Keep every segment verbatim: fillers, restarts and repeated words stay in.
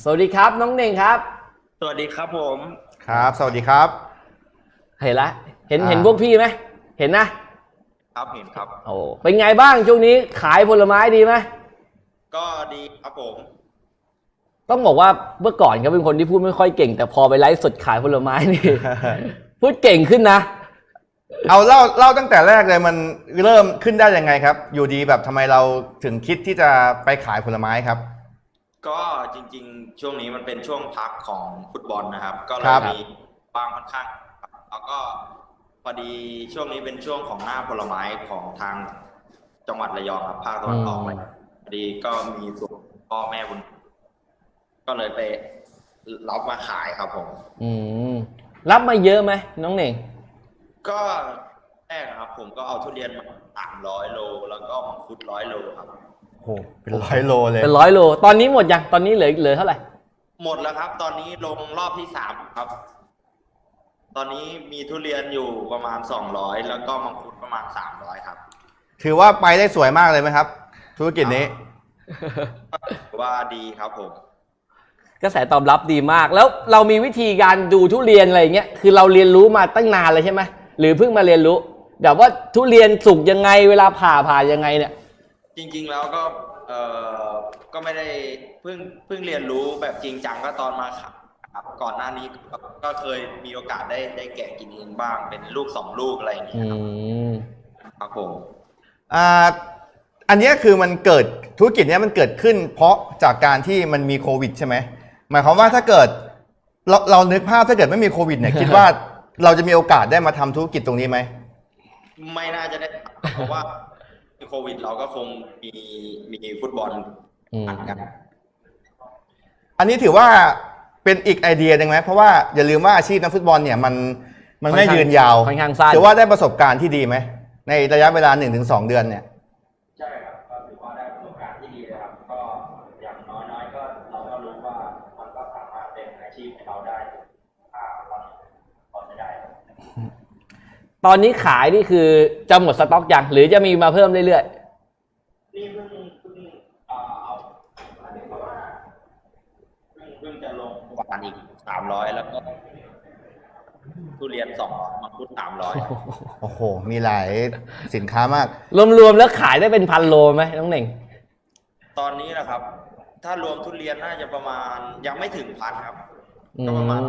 สวัสดีครับน้องเน่งครับสวัสดีครับผมครับสวัสดีครับเห็นละเห็นเห็นพวกพี่ไหมเห็นนะครับเห็นครับโอ้เป็นไงบ้างช่วงนี้ขายผลไม้ดีไหมก็ดีครับผมต้องบอกว่าเมื่อก่อนเขาเป็นคนที่พูดไม่ค่อยเก่งแต่พอไปไลฟ์สดขายผลไม้นี่ พูดเก่งขึ้นนะเอาเล่าเล่าตั้งแต่แรกเลยมันเริ่มขึ้นได้ยังไงครับอยู่ดีแบบทำไมเราถึงคิดที่จะไปขายผลไม้ครับก็จริงๆช่วงนี้มันเป็นช่วงพักของฟุตบอลนะครับก็เลยมีบางค่อนข้างแล้วก็พอดีช่วงนี้เป็นช่วงของหน้าผลไม้ของทางจังหวัดระยองครับภาคตะวันออกเลยพอดีก็มีส่วนพ่อแม่บุญก็เลยไปรับมาขายครับผมอืมรับมาเยอะไหมน้องเน่งก็แรกครับผมก็เอาทุเรียนมาสามร้อยโลแล้วก็มังคุดร้อยโลครับโอ้เป็นร้อยโลเลยเป็นร้อยโลตอนนี้หมดยังตอนนี้เหลือเหลือเท่าไหร่หมดแล้วครับตอนนี้ลงรอบที่สามครับตอนนี้มีทุเรียนอยู่ประมาณสองร้อยแล้วก็มังคุดประมาณสามร้อยครับถือว่าไปได้สวยมากเลยไหมครับธุรกิจนี้ว่าดีครับผมกระแสตอบรับดีมากแล้วเรามีวิธีการดูทุเรียนอะไรเงี้ยคือเราเรียนรู้มาตั้งนานเลยใช่ไหมหรือเพิ่งมาเรียนรู้แบบว่าทุเรียนสุกยังไงเวลาผ่าผ่ายังไงเนี่ยจริงๆแล้วก็เอ่อก็ไม่ได้เพิ่งเพิ่งเรียนรู้แบบจริงจังก็ตอนมาครับก่อนหน้านี้ก็เคยมีโอกาสได้ได้แกะกินเองบ้างเป็นลูกสองลูกอะไรอย่างเงี้ยครับครับผมอ่าอันนี้คือมันเกิดธุรกิจนี้มันเกิดขึ้นเพราะจากการที่มันมีโควิดใช่ไหมหมายความว่าถ้าเกิดเราเรานึกภาพถ้าเกิดไม่มีโควิดเนี่ยคิดว่าเราจะมีโอกาสได้มาทำธุรกิจตรงนี้ไหมไม่น่าจะได้เพราะว่าโควิดเราก็คงมีมีฟุตบอลกันอันนี้ถือว่าเป็นอีกไอเดียหนึ่งไหมเพราะว่าอย่าลืมว่าอาชีพนักฟุตบอลเนี่ยมันมันไม่ยืนยาวถือว่าได้ประสบการณ์ที่ดีไหมในระยะเวลา หนึ่งถึงสอง เดือนเนี่ยใช่ครับก็ถือว่าได้ประสบการณ์ที่ดีเลยครับก็อย่างน้อยๆก็เราก็รู้ว่ามันก็สามารถเป็นอาชีพให้เราได้ถ้าเราพอจะได้ตอนนี้ขายนี่คือจะหมดสต็อกยังหรือจะมีมาเพิ่มเรื่อยๆนี่เพิ่งเพิ่งเอาอันนี้เพราะว่าเพิ่งเพิ่งจะลงหวานอีกสามร้อยแล้วก็ทุเรียนสองร้อยมังคุดสามร้อยโอ้โหมีหลายสินค้ามากรวมๆแล้วขายได้เป็นพันโลไหมน้องเน่งตอนนี้นะครับถ้ารวมทุเรียนน่าจะประมาณยังไม่ถึงพันครับก็ประมาณ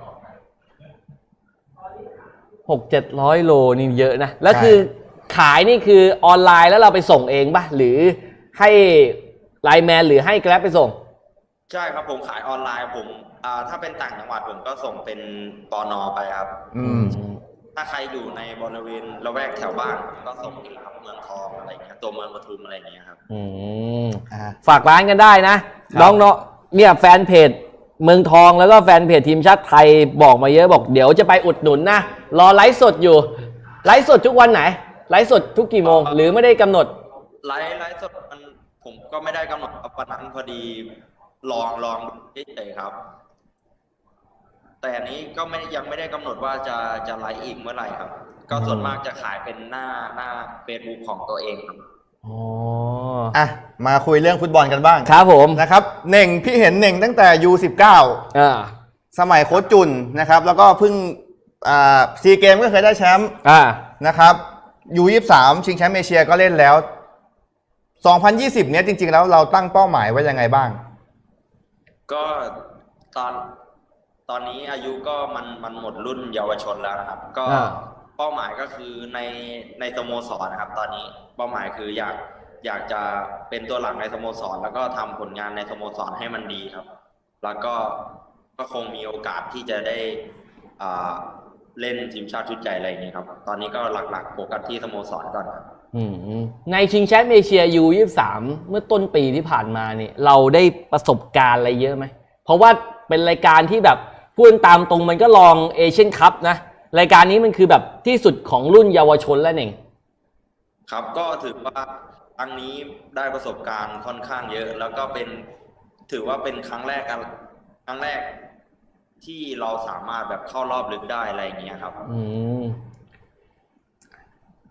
หกเจ็ดร้อยโลนี่เยอะนะแล้วคือขายนี่คือออนไลน์แล้วเราไปส่งเองป่ะหรือให้ไลน์แมนหรือให้แกร็บไปส่งใช่ครับผมขายออนไลน์ผมอ่าถ้าเป็นต่างจังหวัดผมก็ส่งเป็นปน.ไปครับอืมถ้าใครอยู่ในบริเวณละแวกแถวบ้านก็ส่งเองครับเมืองทองอะไรเงี้ยตัวเมืองปทุมอะไรเงี้ยครับอืมฝากร้านกันได้นะน้องเนาะเนี่ยแฟนเพจเมืองทองแล้วก็แฟนเพจทีมชาติไทยบอกมาเยอะบอกเดี๋ยวจะไปอุดหนุนนะรอไลฟ์สดอยู่ไลฟ์สดทุกวันไหนไลฟ์สดทุกกี่โมงหรือไม่ได้กำหนดไลฟ์ไลฟ์สดมันผมก็ไม่ได้กำหนดวันนั้นพอดีลองลองเฉยๆครับแต่อันนี้ก็ไม่ยังไม่ได้กำหนดว่าจะจะไลฟ์อีกเมื่อไหร่ครับก็ส่วนมากจะขายเป็นหน้าหน้าเฟซบุ๊กของตัวเองครับอ๋ออ่ะมาคุยเรื่องฟุตบอลกันบ้างครับผมนะครับเน่งพี่เห็นเน่งตั้งแต่ ยู สิบเก้าอ่าสมัยโค้ชจุนนะครับแล้วก็เพิ่งอ่าซีเกมก็เคยได้แชมป์อ่านะครับ ยู ยี่สิบสาม ชิงแชมป์เอเชียก็เล่นแล้วสองพันยี่สิบเนี้ยจริงๆแล้วเราตั้งเป้าหมายไว้ยังไงบ้างก็ตอนตอนนี้อายุก็มันมันหมดรุ่นเยาวชนแล้วนะครับก็เป้าหมายก็คือในในสโมสรนะครับตอนนี้เป้าหมายคืออยากอยากจะเป็นตัวหลักในสโมสรแล้วก็ทำผลงานในสโมสรให้มันดีครับแล้วก็ก็คงมีโอกาสที่จะได้อ่าเล่นทีมชาติชุดใหญ่อะไรอย่างเงี้ยครับตอนนี้ก็หลักๆโฟกัสที่สโมสรก่อนครับในชิงแชมป์เอเชีย ยู ยี่สิบสาม เมื่อต้นปีที่ผ่านมาเนี่ยเราได้ประสบการณ์อะไรเยอะไหมเพราะว่าเป็นรายการที่แบบพูดตามตรงมันก็ลองเอเชียนคัพนะรายการนี้มันคือแบบที่สุดของรุ่นเยาวชนแล้วเองครับก็ถือว่าครั้งนี้ได้ประสบการณ์ค่อนข้างเยอะแล้วก็เป็นถือว่าเป็นครั้งแรกกันครั้งแรกที่เราสามารถแบบเข้ารอบลึกได้อะไรอย่างเงี้ยครับอืม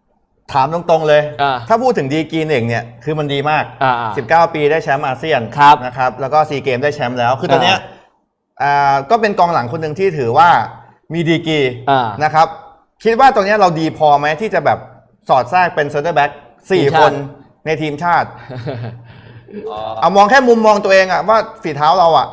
ถามตรงๆเลยอ่าถ้าพูดถึงดีกรีเน่งเนี่ยคือมันดีมากอ่าสิบเก้า ปีได้แชมป์อาเซียนครับนะครับแล้วก็ซีเกมได้แชมป์แล้ว คือตอนเนี้ยอ่าอ่าก็เป็นกองหลังคนหนึ่งที่ถือว่ามีดีกรีอ่านะครับคิดว่าตรงเนี้ยเราดีพอไหมที่จะแบบสอดแทรกเป็นเซนเตอร์แบ็กสี่ทีมคชาตินในทีมชาติอ๋อเอามองแค่มุมมองตัวเองอะว่าฝีเท้าเราอะ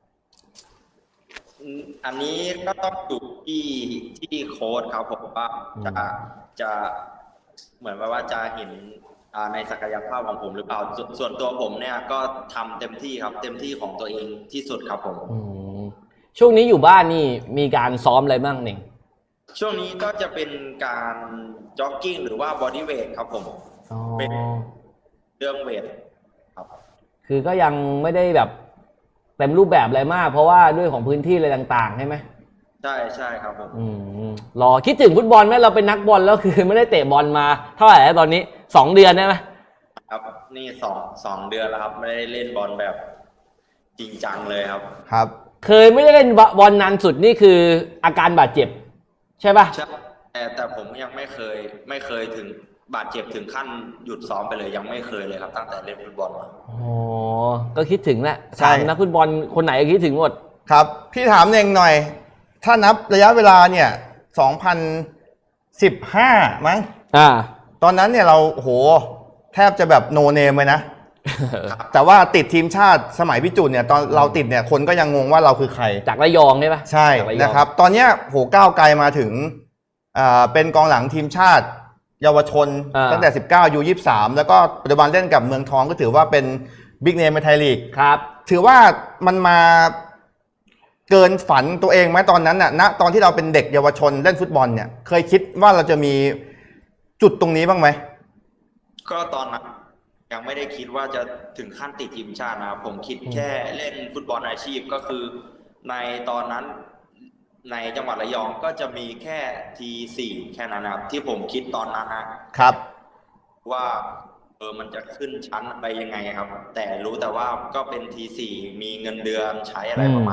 อันนี้ก็ต้องอยู่ที่ที่โค้ชครับผมว่าจะจะเหมือนว่าจะเห็นอ่าในศักยภาพของผมหรือเปล่าสส่วนตัวผมเนี่ยก็ทำเต็มที่ครับ เต็มที่ของตัวเองที่สุดครับผมอืมช่วงนี้อยู่บ้านนี่มีการซ้อมอะไรบ้างเน่งช่วงนี้ก็จะเป็นการจ็อกกิ้งหรือว่าบอดี้เวทครับผมอ๋อเป็นเรื่องเวทครับคือก็ยังไม่ได้แบบเต็มรูปแบบอะไรมาก เพราะว่าด้วยของพื้นที่อะไรต่างๆใช่ไหมใช่ใช่ครับผมอืมรอคิดถึงฟุตบอลไหมเราเป็นนักบอลแล้วคือไม่ได้เตะบอลมาเท่าไหร่แล้วตอนนี้สองเดือนได้ไหมครับนี่สองสองเดือนแล้วครับ ไม่ได้เล่นบอลแบบจริงจังเลยครับครับเคยไม่ได้เล่นบอลนานสุดนี่คืออาการบาดเจ็บ ใช่ปะใช่แต่แต่ผมยังไม่เคยไม่เคยถึงบาดเจ็บถึงขั้นหยุดซ้อมไปเลยยังไม่เคยเลยครับ ตั้งแต่เล่นฟุตบอลมาอ๋อก็คิดถึงแหละใช่ถามนักฟุตบอลคนไหนก็คิดถึงหมดครับพี่ถามเองหน่อย ถ้านับระยะเวลาเนี่ยสองพันสิบห้ามั้งอ่าตอนนั้นเนี่ยเราโอ้โหแทบจะแบบโนเนมเลยนะ แต่ว่าติดทีมชาติสมัยพี่จุนเนี่ยตอนเราติดเนี่ยคนก็ยังงงว่าเราคือใครจากระยองใช่ปะใช่จากระยองนะครับ ตอนเนี้ยโหก้าวไกลมาถึงอ่าเป็นกองหลังทีมชาติ เยาวชนอ่าตั้งแต่ สิบเก้า ยู ยี่สิบสาม แล้วก็ปัจจุบันเล่นกับเมืองทองก็ถือว่าเป็นบิ๊กเนมในไทยลีกครับถือว่ามันมาเกินฝันตัวเองไหมตอนนั้นน่ะณตอนที่เราเป็นเด็กเยาวชนเล่นฟุตบอลเนี่ย เคยคิดว่าเราจะมีจุดตรงนี้บ้างไหมก็ตอนนั้นยังไม่ได้คิดว่าจะถึงขั้นติดทีมชาตินะครับผมคิดแค่เล่นฟุตบอลอาชีพก็คือในตอนนั้นในจังหวัดระยองก็จะมีแค่ทีสี่แค่นั้นนะครับที่ผมคิดตอนนั้นนะครับ ว่าเออมันจะขึ้นชั้นไปยังไงครับ แต่รู้แต่ว่าก็เป็นทีสี่มีเงินเดือนใช้อะไรประมาณ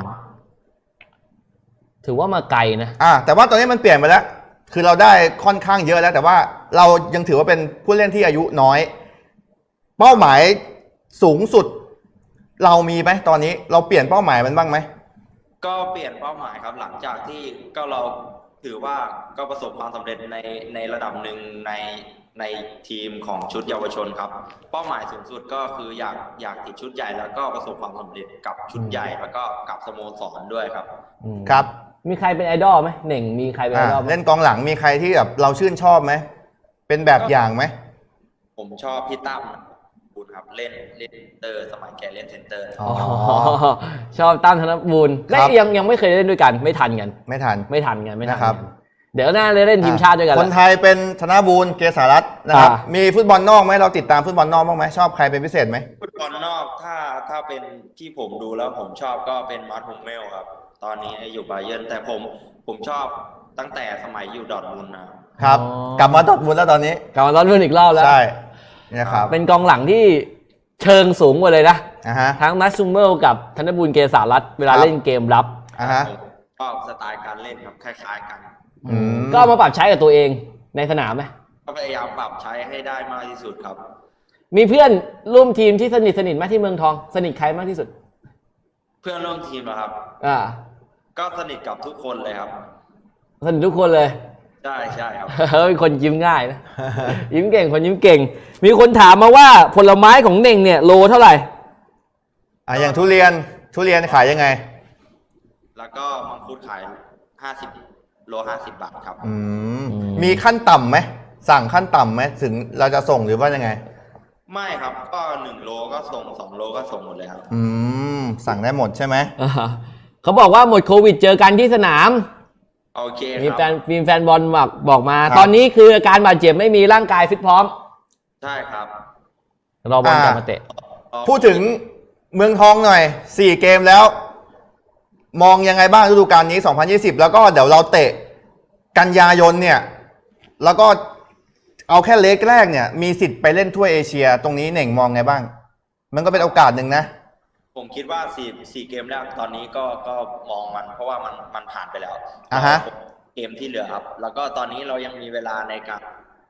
ถือว่ามาไกลนะอ่าแต่ว่าตอนนี้มันเปลี่ยนไปแล้ว คือเราได้ค่อนข้างเยอะแล้ว แต่ว่าเรายังถือว่าเป็นผู้เล่นที่อายุน้อย เป้าหมายสูงสุด เรามีไหมตอนนี้เราเปลี่ยนเป้าหมายมันบ้างไหมก็เปลี่ยนเป้าหมายครับหลังจากที่ก็เราถือว่าก็ประสบความสำเร็จในในระดับหนึ่งในในทีมของชุดเยาวชนครับ เป้าหมายสูงสุดก็คืออยากอยากติดชุดใหญ่แล้วก็ประสบความสำเร็จกับชุดใหญ่แล้วก็กับสโมสรด้วยครับอืมครับมีใครเป็นไอดอลไหมเหน่งมีใครเป็นไออ่าดอลไหมเล่นกองหลังมีใครที่แบบเราชื่นชอบไหมเป็นแบบอย่างไหมผมชอบพี่ตั้มคุณครับเล่นเล่นเซนเตอร์สมัยแกเล่นเซนเตอร์อ๋ออ๋อชอบตั้มธนบูรณ์ครัและบยังยังไม่เคยเล่นด้วยกัน ไม่ทันกันไม่ทันไม่ทันกันไม่ทันนะครับกันเดี๋ยวหน้าเล่นทีมชาติด้วยกันคนละไทยเป็นธนบูรณ์เกษารัตน์นะครับอ่ามีมีฟุตบอลนอกไหมเราติดตามฟุตบอลนอกบ้างไหมชอบใครเป็นพิเศษไหมฟุตบอลนอกถ้าถ้าเป็นที่ผมดูแล้วผมชอบก็เป็นมาร์ท ฮุมเมลครับ ตอนนี้อยู่บาเยิร์นแต่ผมผมชอบตั้งแต่สมัยอยู่ดอร์ทมุนด์นะครับครับ กลับมาดอร์ทมุนด์แล้วตอนนี้กลับมาตอนรุ่นอีกรอบแล้วใช่นะครับเป็นกองหลังที่เชิงสูงกว่าเลยนะอ่าฮะทั้งมัสซูเมลกับธนบูรณ์เกษารัตน์เวลาครับเล่นเกมรับอ่าฮะผมชอบสไตล์การเล่นครับคล้ายๆกันอืมก็เอามาปรับใช้กับตัวเองในสนามไหมก็พยายามปรับใช้ให้ได้มากที่สุดครับมีเพื่อนร่วมทีมที่สนิทสนิทไหมที่เมืองทองสนิทใครมากที่สุดเพื่อนร่วมทีมนะครับอ่าก็สนิทกับทุกคนเลยครับสนิททุกคนเลยใช่ใช่ครับเป็นคนยิ้มง่ายนะ ยิ้มเก่งคนยิ้มเก่ง มีคนถามมาว่าผลไม้ของเน่งเนี่ยโลเท่าไหร่อ่าอย่างทุเรียนทุเรียนขายยังไงแล้วก็มังคุดขายห้าสิบโลห้าสิบบาทครับอืมอืมมีขั้นต่ำไหมสั่งขั้นต่ำไหมถึงเราจะส่งหรือว่ายังไงไม่ครับก็หนึ่งโลก็ส่งสองโลก็ส่งหมดเลยครับอืมสั่งได้หมดใช่ไหมอ่าเขาบอกว่าหมดโควิดเจอกันที่สนามโอเคมีคแฟรับนมีแฟนบอลบอกบอกมาครับตอนนี้คืออาการบาดเจ็บไม่มีร่างกายฟิตพร้อมใช่ครับรอบอลอ่ากลับมาเตะพูดถึงเมืองทองหน่อยสี่เกมแล้ว มองยังไงบ้างฤดูกาลนี้สองพันยี่สิบแล้วก็เดี๋ยวเราเตะกันยายนเนี่ย แล้วก็เอาแค่เล็กแรกเนี่ย มีสิทธิ์ไปเล่นถ้วยเอเชีย ตรงนี้เน่งมองไงบ้าง มันก็เป็นโอกาสหนึ่งนะผมคิดว่าสี่สี่เกมแรกตอนนี้ก็ก็มองมัน เพราะว่ามันมันผ่านไปแล้วอ่าฮะเกมที่เหลือครับ แล้วก็ตอนนี้เรายังมีเวลาในการ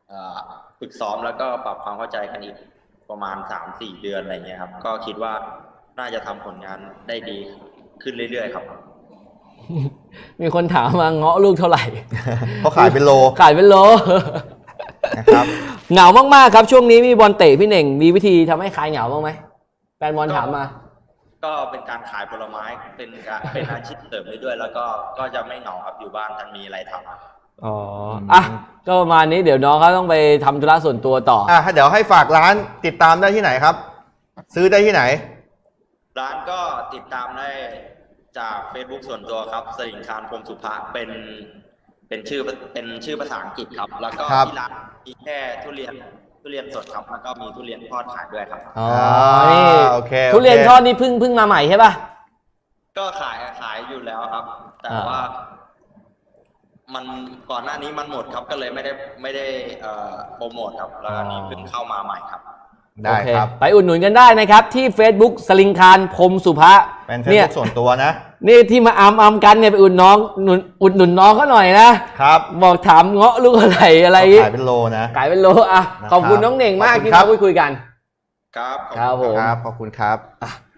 เอ่อฝึกซ้อมแล้วก็ปรับความเข้าใจกันอีกประมาณสามสี่เดือนอะไรเงี้ยครับก็คิดว่าน่าจะทำผลงานได้ดีขึ้นเรื่อยๆครับมีคนถามมาเงาะลูกเท่าไหร่เพราะขายเป็นโลขายเป็นโลนะครับเหงามากๆครับช่วงนี้มีบอลเตะพี่เน่งมีวิธีทำให้คลายเหงาบ้างไหมแฟนบอลถามมาก็เป็นการขายผลไม้เป็นการเป็นอาชีพเสริมได้ด้วย แล้วก็ก็จะไม่เหงาครับอยู่บ้านท่านมีอะไรทำครับอ๋ออ่ะก็ประมาณนี้เดี๋ยวน้องเขาต้องไปทำธุระส่วนตัวต่ออ่ะเดี๋ยวให้ฝากร้านติดตามได้ที่ไหนครับ ซื้อได้ที่ไหนร้านก็ติดตามได้จาก Facebook ส่วนตัวครับสลิงคารพรหมสุภะเป็นเป็นชื่อเป็นชื่อภาษาอังกฤษครับ แล้วก็ครับที่ร้านมีแค่ทุเรียนทุเรียนสดครับแล้วก็มีทุเรียนทอดขายด้วยครับอ๋อนี่โอเคทุเรียนโคทอดนี่เพิ่งเพิ่งมาใหม่ใช่ป่ะก็ขายขายอยู่แล้วครับ แต่อ่าว่า มันก่อนหน้านี้มันหมดครับก็เลยไม่ได้ไม่ได้เอ่อโปรโมทครับแล้วอันนี้เพิ่งเข้ามาใหม่ครับได้โอเคครับไปอุดหนุนกันได้นะครับ ที่ Facebook สลิงคารพรหมสุภะเป็นเฟซเนี่ยบุ๊กส่วนตัวนะนี่ที่มาอัมอัมกันเนี่ยไปอุดน้องหนุนอุดหนุนน้องเขาหน่อยนะครับบอกถามเงาะลูกอะไรอะไรเขาขายเป็นโลนะขายเป็นโลอ่ะนะครับขอบคุณน้องเน่งมากขอบคุณที่ครัมาบคุยคุยกันครับขอบครับคุณผมครับ ขอบคุณครับ